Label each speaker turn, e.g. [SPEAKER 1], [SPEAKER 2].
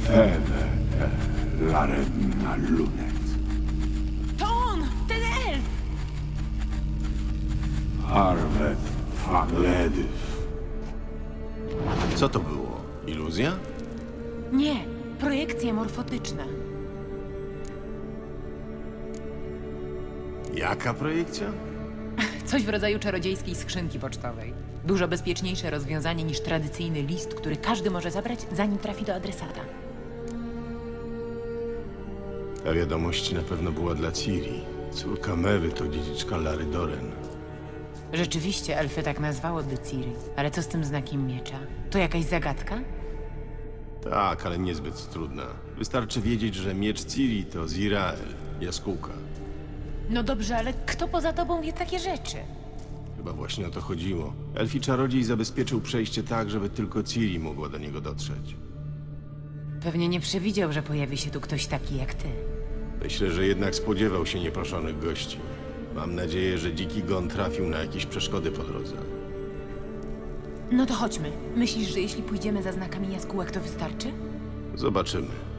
[SPEAKER 1] Febe Larenna Lunet.
[SPEAKER 2] To on! Ten elf!
[SPEAKER 1] Arvet Fagledyw.
[SPEAKER 3] Co to było? Iluzja?
[SPEAKER 2] Nie, projekcja morfotyczna.
[SPEAKER 3] Jaka projekcja?
[SPEAKER 2] Coś w rodzaju czarodziejskiej skrzynki pocztowej. Dużo bezpieczniejsze rozwiązanie niż tradycyjny list, który każdy może zabrać, zanim trafi do adresata.
[SPEAKER 3] Ta wiadomość na pewno była dla Ciri. Córka Mewy to dziedziczka Lary Doren.
[SPEAKER 2] Rzeczywiście elfy tak nazwało de Ciri, ale co z tym znakiem miecza? To jakaś zagadka?
[SPEAKER 3] Tak, ale niezbyt trudna. Wystarczy wiedzieć, że miecz Ciri to Zirael, jaskółka.
[SPEAKER 2] No dobrze, ale kto poza tobą wie takie rzeczy?
[SPEAKER 3] Chyba właśnie o to chodziło. Elfi czarodziej zabezpieczył przejście tak, żeby tylko Ciri mogła do niego dotrzeć.
[SPEAKER 2] Pewnie nie przewidział, że pojawi się tu ktoś taki jak ty.
[SPEAKER 3] Myślę, że jednak spodziewał się nieproszonych gości. Mam nadzieję, że dziki gon trafił na jakieś przeszkody po drodze.
[SPEAKER 2] No to chodźmy. Myślisz, że jeśli pójdziemy za znakami jaskółek, to wystarczy?
[SPEAKER 3] Zobaczymy.